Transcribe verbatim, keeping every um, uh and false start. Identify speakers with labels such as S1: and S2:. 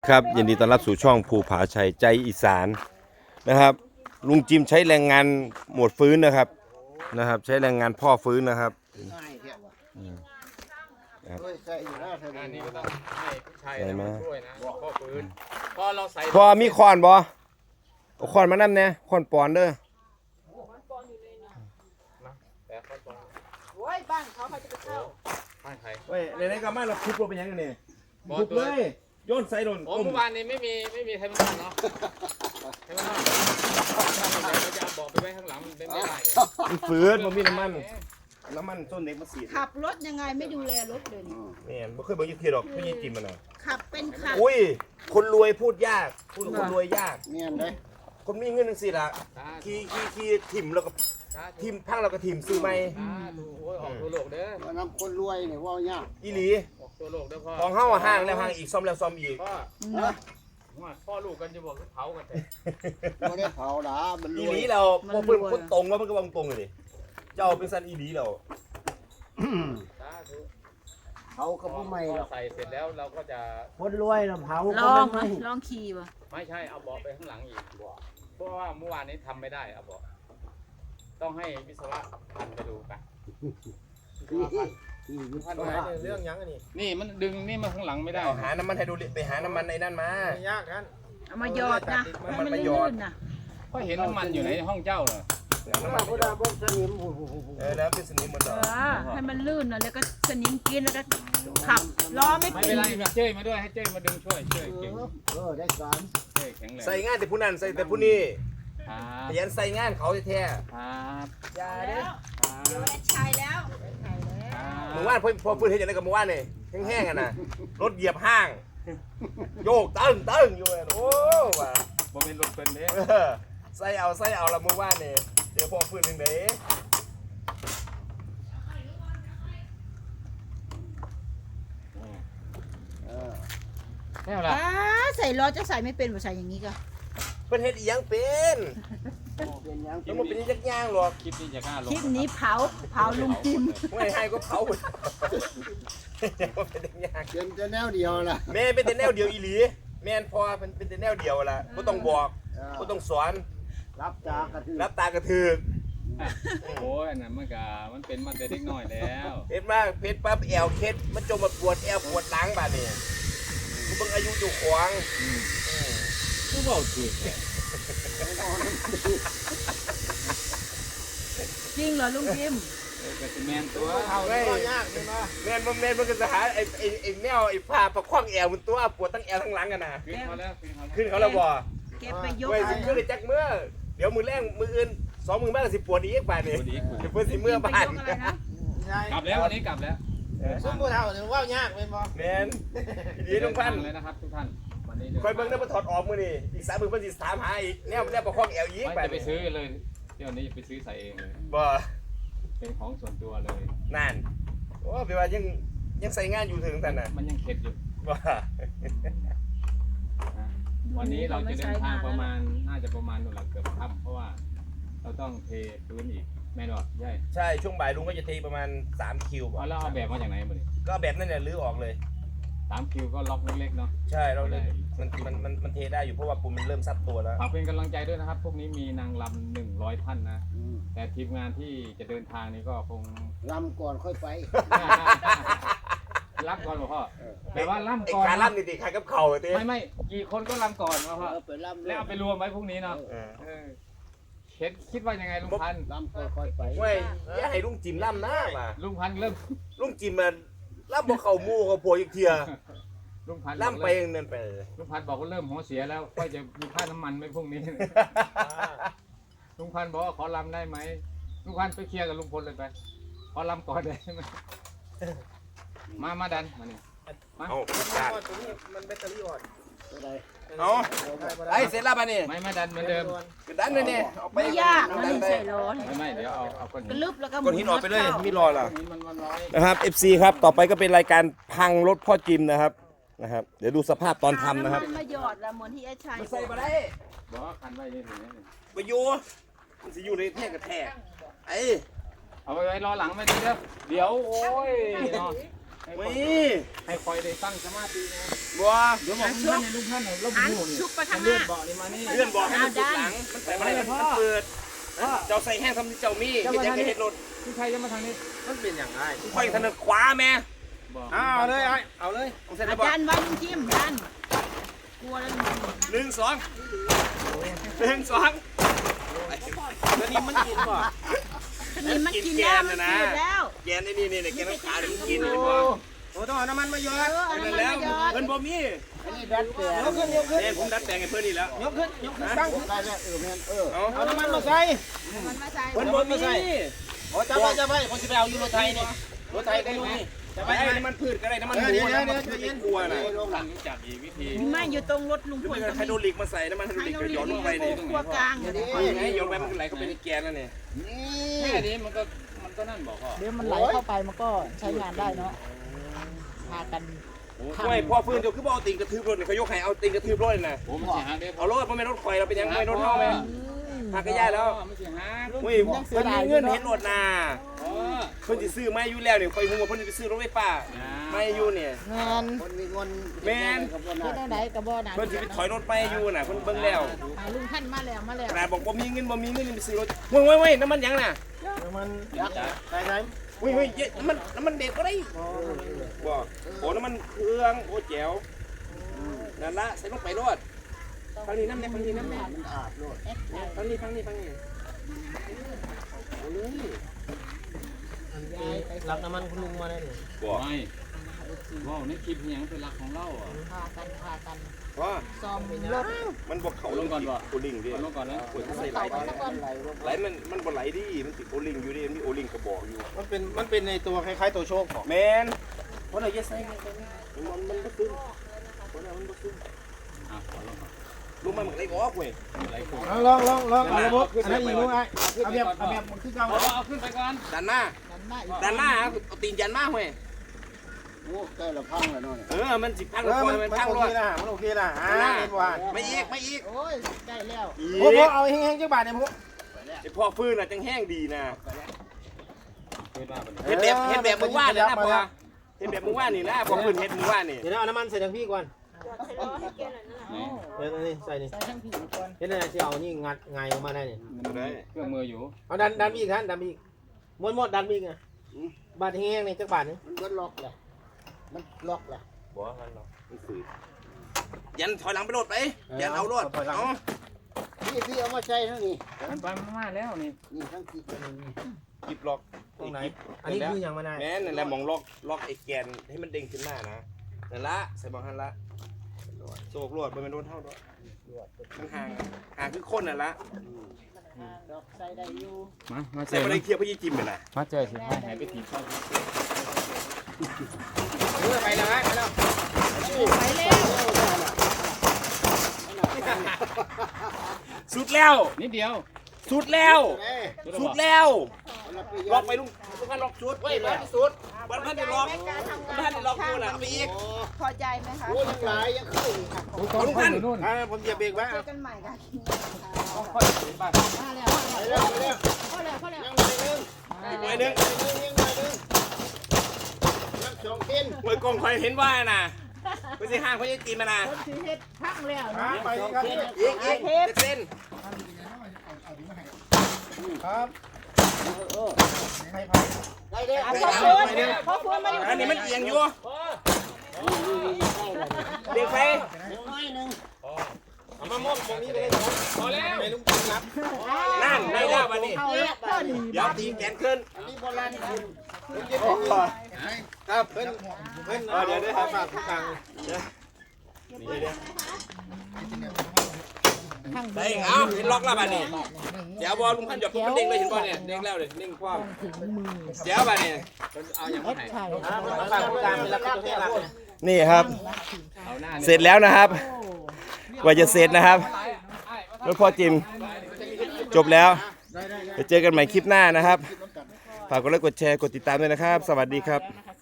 S1: ครับยินดีต้อนรับสู่ช่องภูผาชัยใจอีสานนะครับลุงจิมใช้แรงงานหมวดฟื้นนะครับนะครับใช้แรงงานพ่อฟื้นนะครับ
S2: อันนี้ก็ต้องให้พี่ชัยมาช่วยนะพ่อฟื้นพอเราใส่
S1: พ่อมีคอนบ่เอาคอนมานั่นเนี่ยคอนปอนเด้อ
S2: แต่ขั้นตอน
S3: โอ้ยบ้านเขาเขาจะไปเข้า
S2: บ้านใคร
S1: เว้ยในนี้ก็มาเราคุบลงไปยังกันนี่คุบเลยโยนใส่โดน
S2: โอ้เมื่อวานนี้ไม่มีไม่มีไทยมันเนาะไทยมันเราจะเอาบอกไปไว้ข้างหลังมันเป็นไม่ได้เลย
S1: มันฟื้นมันมีน้ำมันน้ำมันต้นเล็กมาสีด
S3: ขับรถยังไงไม่ดูแลรถเลยนี่
S1: นี่ไม่เคยบอกยี่ทีหรอกพี่ยี่จิมมันน่ะ
S3: ขับเป็นขับ
S1: อุ้ยคนรวยพูดยากพูดคนรวยยาก
S4: เนียนเลย
S1: คนมีเงินจังสิล่ะขี่ขี่ขี่ถิ่มแล้วก็ทิมพังแล้วก็ถิ่มซื้อไหม
S2: อ่าดูโอ้ยออกตัวโลกเด้อ
S4: ว่านำคนรวยเนี่ยว่ายาก
S1: อีหลี
S2: ออกตัวโลกเด้อพ่อ
S1: ของเฮาอะห่างแล้วห่างอีกซ่อมแล้วซ่อมอีก
S2: พ่อ
S3: เนาะ
S2: พ่อลูกกันจะบอกเผากันแต่
S4: ไม่ได้เผาหรอมันร
S1: อี
S4: ว
S1: ห
S4: ย
S1: ลีเราพอเพิ่นคนตรงแล้วมันก็วางตรงเลยดิเจ้าเป็นสันอีหลีเรา
S2: สาธุ
S4: เผาก็ไม่หรอก
S2: ใส่เสร็จแล้วเราก็จะ
S4: คนรวยนะเผา
S3: ล
S4: ก็
S3: อง
S4: ไม่
S3: ลองขี่ป่ะ
S2: ไม่ใช่เอาเบาะไปข้างหลังอีกบอกเพราะว่าเมื่อวานนี้ทำไม่ได้เอาเบาะต้องให้วิศวะพันไปดูกัน
S4: ที่ที่วิศวะ
S1: เรื่องยังอันนี้
S2: นี่มันดึงนี่มาข้างหลังไม่ได้
S1: หาน้ำมันไฮโดรลิกไปหาน้ำมันในนั่นมาย
S4: ากกัน
S3: เอามาหยอดนะให้มันลื่นๆนะ
S2: ก็เห็นน้ำมันอยู่ในห้องเจ้าเหรอ
S4: น้ำมันพุทธบสนิม
S1: เออแล้วเป็นสนิมหมด
S3: เอ
S1: แล้ว
S3: อให้มันลื่นนะแล้วก็สนิมกินแล้วก็ขับล้อไม่
S2: ไม่
S3: ติ
S2: เป็น
S3: ด
S2: ไรมีเจ้ยมาด้วยให้เจ้ยมาดึงช่วยเจ้ยเก่ง
S4: เออได้การ
S2: เจ้ยแข็งแรง
S1: ใส่งานแต่ผู้นั้นใส่แต่ผู้นี้
S2: ครับ
S1: ขยันใส่งานเขาแท้
S2: ครับ
S1: ๆอย่าเด้อ
S3: เดี๋ยวได้ชายแล้ว
S1: เมื่อวานพอพอพื้นเห็นอย่างไรกับเมื่อวานนี่แห้งๆกันนะรถเหยียบห้าง โยกตึ้งตึ้งอยู่เลยโอ้ว่ะ
S2: บ่เป็นรถเป็นเด้
S1: เออใส่เอาใส่เอาละเมื่อวานนี่เดี๋ยวพอพื้นหนึ่งเด้
S4: เออ
S2: แน่ล่ะ
S3: อ่าใส่ล้อจะใส่ไม่เป็นบ่ใส่อย่างนี้ก็
S1: เพิ่นเฮ็ดอีหยังเป็น
S4: เป็นยัง
S1: ยังบ่เป็นยักย่างหรอก
S2: คลิปนี้จะกล้าลง
S3: คลิปนี้เผาเผาลุงจิม
S1: ไม่ให้ก็เผาหมดยังบ่เป็นยักย่าง
S4: เป็นจะแนวเดียวล่ะ
S1: แม่เป็นแต่แนวเดียวอีหลีแม่นพอเป็นเป็นแต่แนวเดียวล่ะบ่ต้องบอกบ่ต้องสอน
S4: รับจากกระทืบ
S1: รับตากระถึก
S2: โอ้ยอันนั้นมันก็มันเป็นมาแต่เด็กน้อยแล้ว
S1: เฮ็ดมาเพชรปั๊บแอวเคล็ดมันจมมาปวดแอวปวดหลังบาดนี้กูเบิ่งอายุอยู่ขวาง
S2: คือเว้าถูก
S3: จริงเหรอลุงจิม
S2: ก็สิแม่นตัว
S1: เอาไว้แม่นบ่แม่นมันก็จะหาไอ้ไอ้ไอ้แนวไอ้ผ้าประคองแอวมันตัวปวดทั้งแอวทั้งหลังกันน่ะ
S2: ขึ้นเขาแล้วขึ้นเขาแล้ว
S1: ขึ้นเขาแล้วบ่
S3: เก็บไปยก
S1: เว้ยสิเมื่อได้จักเมื่อเดี๋ยวมือแรงมืออื่นสองมือบ้านก็สิปวดอีกบาดนี้เดี๋ยวเพิ่นสิเมื่อบ้าน
S3: ไปยกอะไรนะ
S2: กลับแล้ววันนี้กลับแล้ว
S4: ซึ่งผู้เฒ่าเนี่ยว่ายากเป็นบ่
S1: แม่นดีทุกท่าน
S2: เลยนะครับทุกท่านวันนี้
S1: คอยเบิ่งได้บ่ถอดออกมื้อนี้อีกสามมื้อเพิ่นสิถามหาอีกแนวแนวประคองแอวอีก
S2: ไม่
S1: บาด
S2: จะไป
S1: นี้
S2: ซื้อเลยเดี๋ยวนี้ไปซื้อใส่เองเลย
S1: บ่
S2: เป็นของส่วนตัวเลย
S1: นั่นโอ้แปลว่ายังยังใส่งานอยู่ถึงซั่นน่ะ
S2: มันยังเข็ดอยู่
S1: บ่
S2: วันนี้เราจะเดินทางประมาณน่าจะประมาณนู่นแหละเกือบค่ำเพราะว่าเราต้องเทพื้นอีกแม่นบอกใช่
S1: ใช่ช่วงบ่ายลุงก็จะเทประมาณสามคิวบ่
S2: แล้วเอาแบบมาจากไหนมาเนี่ย
S1: ก็แบบนั้นเนี่ยรื้อออกเลย
S2: สามคิวก็ล็อกเล็กๆเนาะ
S1: ใช่เราเลยมันมันมันมันเทได้อยู่เพราะว่าปูนมันเริ่มซับตัวแล้ว
S2: ฝากเป็นกำลังใจด้วยนะครับ พวกนี้มีนางรำหนึ่งร้อยท่านนะ
S4: อืม
S2: แต่ทีมงานที่จะเดินทางนี้ก็คง
S4: ลำก่อนค่อยไป
S2: รับก่อนหลวงพ่อแต่ว่าล่ำ
S1: ไอ้
S2: ก่อน
S1: การล่ำนี่ติใครกับเข่าเต้
S2: ไม่ไม่กี่คนก็ล่ำก่อนหลวงพ่อ
S4: เออไปลำ
S2: แล้วเอาไปรวมไว้พรุ่งนี้เนาะ
S1: เออ
S2: เออเห็นคิดว่ายังไงลุงพันธุ์
S4: ลำก่อนค่อยไป
S1: เว้ยอย่าให้ลุงจิมล่ำนะมา
S2: ลุงพันธุ์เริ่ม
S1: ลุงจิมมันล่ำบ่เข้าหมู่เขาโพอีกเที่ย
S2: ลุงพันธุ์
S1: ล่ำไป
S2: บอกเริ่ม
S1: นั่นไป
S2: ลุงพันธุ์บอกว่าเริ่มหัวเสียแล้วค่อยจะมีค่าน้ำมันไหมพรุ่งนี้ ลุงพันธุ์บอกว่าขอลำได้ไหมลุงพันธุ์ไปเคลียร์กับลุงพลเลยไปขอลำก่อนได้ไหมมามาดันมานี่มา
S1: เอาจัด
S4: ตัวใด
S1: เอาไอ้เสร็จแล้วป่ะนี่
S2: ไม่มาดันเหมือนเดิม
S1: กระดันเลยนี่เอาไป
S3: ไม่ยากมันใส่ล้อ
S2: ไม่ไม่เดี๋ยวเอาเอาก้อน
S3: กระ
S2: หิน
S3: ลึบแล้วก็ห
S1: ก้อนหินออกไปเลยมีรอล่ะ
S2: หินมันมันร้อย
S1: นะครับ เอฟ ซี ครับต่อไปก็เป็นรายการพังรถพ่อจิมนะครับนะครับเดี๋ยวดูสภาพตอนทำนะครับ
S3: เอาำมัมาหยอดแล้วเหมือนที่ไอ้ชาย
S1: ใส่มาได้
S2: บอกว่าคันไว้นี่ถึงนี่
S1: ไปอยู่มันสิอยู่ในแท่กระแทกไอ้
S2: เอาไปไว้รอหลังไม่ได้เด้อเดี๋ยวโอ้ยเนาะให้
S1: ไม่
S2: ให้คอยได้ตั้งสมาธินะ
S1: บัว
S2: เดี๋ยวบอกลุงพันธุ์ลุงพันธุ์เรา
S3: หัน
S2: หูนี่
S3: ชุบไปข้างห
S2: เลื่อ
S3: น้าน
S2: เบาะนี่มานี่
S1: เลื่อนบอกให้มันสุดหลังมันไปอะไรมันเปิดเจ้าใส่แห้งทำที่เจ้ามีที่จะเห็นรถ
S2: พี่ชัยจะมาทางนี้
S4: มันเป็นอย่างไร
S1: ค่อยถนัดขวาแม่
S2: บอก
S4: เอาเลยไอ้เอาเลย
S1: เสร็จ
S3: อา
S1: แล้วบอก
S3: จารย์ไว้ลุงจิ้มดันกลัวแล้ว
S1: หนึ่งสองหนึ่งสอง
S4: แล้วนี่มันกินบ่
S3: สนิมมันกินแล้วมันกินแล้ว
S1: แกนนี่นี่นี่แกนน้ำขาเดี๋ยวมันกินเลยบ่
S4: โอ้ต้องเอาน้ำมันมาหยอด
S3: เออเอา
S1: นั่
S3: น้ำ
S1: น
S3: มัน
S1: แล้ว
S3: มาหยอด
S1: เพิ่นบ่มี
S4: อันนี้ดัดแปลงยกขึ้นยกขึ้น
S1: เนี่ยผมดัดแปลงให้เพิ่นนี่แล้ว
S4: ยกขึ้นยกขึ้นตั้งได้แล้วเออแม่นเออ
S1: เอา
S4: เอาน้ำมันมาใส่
S3: น้ำมันมาใส่
S1: เพิ่นบ่มี
S4: โอ้จับไปจับไปผมจะไปเอาอยู่รถไทยนี่รถไทยก็อยู่นี่จับไป
S1: ไอ้
S4: ไอ้
S1: น้ำมันพืชก็ได้น้ำมัน
S4: เดี๋ยว
S1: หัว
S4: เดี๋ยว
S1: น้ำมัน
S4: เดี๋ยว
S1: ไม่กลัวนะ
S2: ลุงรู้จักอีกวิธี
S3: มีไม้อยู่ตรงรถลุง
S1: หรือ
S3: พล
S1: ไม่
S3: ก็
S1: ก็ไฮ
S3: มี
S1: โดรลิกมาใส่น้ำมันไฮโดรลิกก็หย่อนลงไปนี่
S3: ครัวกลางเนี่ย
S1: ไงหย่อนไปมันก็ไหลเข้าไปในแกนแล้วเนี่ย
S2: แค่นี้มันก็มันก็นั่นบอกพ่อ
S5: เดี๋ยวมันไหลเข้าไปมันก็ใช้งานได้เนาะพากัน
S1: ไม่พ่อฟื้นเจ้าคือบ่เอาติงกระทืบรถเขายกให้เอาติงกระทืบรถน่ะ
S2: ผมจะหาได้
S1: เอารถเพราะไม่รถข่อยเราเป็นยังไม่รถเฮาไหมหักก็ย่าแล้ว
S2: ไม่ใช่หา
S1: อุ้ยเพิ่นมีเงินเห็นรถน่ะ
S2: อ๋อ
S1: เพิ่นสิซื้อมาอยู่แล้วนี่ข่อยฮู้ว่าเพิ่นสิไปซื้อรถไฟฟ้ามาอยู่เนี่ย
S5: งาน
S4: คนมีเงิน
S5: เฮ็ดได้ไหนกับบ่อนะ
S1: เพิ่นสิไปถอยรถไปอยู่น่ะเพิ่นเบิ่งแล้ว
S5: อ่าลุงท่านมาแล้วมาแล้ว
S1: ขนาดบอกบ่มีเงินบ่มีเงินนี่ไปซื้อรถเว้ยเว้ยเว้ยน้ำมันหยังน่ะ
S4: มันใส่ใส่
S1: เว้ยเว้ยน้ำมันน้ำมันเด็กก็ได้บ่โอ้น้ำมันเครื่องโอ้แจ๋วนั่นละใส่ลงไปรถทางนี้น้ำเนี่ยทางนี้น้ำเนี่ย
S4: มันอาบโลด
S1: ทางนี้ทางนี้ทางนี้
S4: รับน้ำมันคุณลุงมาได้เลย
S1: บ่
S2: ไม่ว้าวในคลิปยังเป็นหลักของเราอ่ะ
S5: พากันพากัน
S1: ว่า
S5: ซ่อมรถ
S1: มันบ่เข้าลงก่อนบ่โอลิงดิ
S2: เอาลงก่อนนะ
S1: โอ้ยใส่ไหลดิไหลมันมันบ่ไหลดิมันติดโอลิงอยู่ดิมันมีโอลิงกระบอกอยู่
S4: มันเป็นมันเป็นในตัวคล้ายๆตัวโชคของ
S1: แมนเพราะเราจะใส่มันมันมันบ่ซึมเพราะมันบ่ซึม
S2: อ่ะขอลงก่อน
S1: รู้มันมันไหลออกเว้ย
S2: ไหลขึ้น
S4: ลองลองลองเอาระบบอันนั้นอีกลุงไอ้เอาแบบเอาแบบมันคือเก่า
S2: เอาเอาขึ้นไปก่อน
S1: ด้านหน้า
S5: นั่นมาอีก
S1: ด้านหน้าเอาตีนยันมาเว้ย
S4: โอ้ใกล้ละพังแล้วเนาะ
S1: เออมันสิพัง
S4: เอ
S1: รถ
S4: อ
S1: ค
S4: มั
S1: อน ยมัน
S4: มัน
S1: พัง
S4: โอ
S1: ร
S4: เค
S1: ถ
S4: นะมันโอเคนะอ่าเห็นว่า
S1: ไม่อีกไม่อีก
S5: โอ้ยได้แล้ว
S4: โอ้โหเอาแห้งๆจังบาทเนี่ยพวก
S1: ไอพ่อฟื้นน่ะจังแห้งดีนะ
S2: ขึ้นมาเป็น
S1: เฮ็ดแบบเฮ็ดแบบมึงว่าเนี่ยนะพ่อเฮ็ดแบบมึงว่านี่นะพ่อฟื้นเฮ็ดมึงว่านี่
S4: เดี๋ยวเอาน้ำมันใส่ทางพี่ก่อน
S2: ไหน
S4: เดี๋ยวนี่ใส่นี่
S5: ใส่ทั้งผิวก่อน
S4: เห็นไหมที่เอานี่งัดไงออกมาได้เนี่ย
S2: มันมีเครื่องมืออยู่
S4: เอาดันดันอีกฮะดันอีกม้วนหมดดันอีกอ่ะบาทแห้งๆนี่จักบาทนึง
S5: มันก็ล็อกเลยมันล็อกเลย
S1: บ่งั้นเนาะมันฝืนยันถอยหลังไปรถไปยันเอารถเอา
S5: พี่พี่เอามาใช้ทั้งนี้
S2: มันไปมาแล้วนี่
S5: นี่ทั้งที่นี่
S1: หยิบล็อก
S4: ตรงไหนอันนี้คือยังไม่ได้
S1: แม่นั่นแหละมองล็อกล็อกไอ้แกนให้มันเด้งขึ้นมานะนั่นละใส่บางหันละโศกรวดมันเป็นโดนเท่าด้วยมันห่างห่างคือคนนั่นละ
S5: ล็อกใส่ได้อยู่
S2: มามาเจ
S1: ใส่
S2: อ
S1: ไปเลยเคลียร์พี่จิ้มไปละ
S2: มาเจอสิให้หายไปทีเข้า
S4: เออไปแล้วฮะไปแล้ว
S3: ไปแล้ว
S1: สุดแล้ว
S2: นิดเดียว
S1: สุดแล้ว สุดแล้วล็อกไปลุงทุกท่านล็อกสุดไว้เลยที่สุดวันพันจะล็อกวันพันจะล็อกกูน่ะเอาไปอีก
S3: พอใจไหมคะ
S4: โอ้ยังหลายยังขึ้น
S2: ตอนพันนู่น
S4: อ่าผมเหยียบเบรกไว้
S3: เจอกันใหม่ค่ะ
S2: ค่อยไปบ้าน
S5: มาแล้ว
S4: ไปเร็วไปเร็ว
S5: พอแล้วพอแล้ว
S4: ยังหน่อยนึง
S1: อีกหน่อยหนึง
S4: ยังหน่อยนึงยังสองเส้น
S1: มวยกองคอยเห็นว่าน่ะไปสิห้างเขาจะตีมาน่ะ
S5: คนที่เฮ็ดพังแล้ว
S4: อ่า
S5: นะ
S4: ไปครับ
S1: อีกอีกเจ็ดเส้น
S4: ครับใคร
S5: ได้เด้อ
S3: อ่ะพ่อฟื้นพ่อฟื้นมาอยู่
S1: อันนี้มันเอียงอยู่เด็กไป
S5: น้อยนึง
S4: เอามามอบตรงนี้ไปเลย
S2: พอแล้ว
S4: ไม่ลุงกินรับ
S1: นั่นได้แล้ววันนี้
S5: เอาละพอดี
S1: เดี๋ยวตีแขนขึ้น
S4: อันนี้โบราณคุณลุงกินครับเพิ่นเพิ่นเดี๋ยวได้หาฝากทุกทางเดี๋ยวเดี๋ยว
S5: ข้าง
S1: ได้เอาเห็นล็อกแล้วบัดนี้เดี๋ยวบอลลุงพันหยดมันเด้งเลยเห็นบอลเนี่ยเด้งแล้วเลยเด้งคว่
S5: ถึงมือ
S1: ำเดี๋ยวบัดนี้
S2: เอาอย่าง
S5: เฮ็
S2: มา
S5: ด
S2: ไหน
S5: ไข่
S4: อ่าฝากทุกทางเป็นรักตัวให้รักเนี่ย
S1: นี่ครับ
S2: เอาหน้า
S1: เสร็จแล้วนะครับ กว่าจะเสร็จนะครับรถพ่อจิมจบแล้วจะเจอกันใหม่คลิปหน้านะครับ ฝากกดไลค์กดแชร์กดติดตามด้วยนะครับ สวัสดีครับ
S5: นะคะ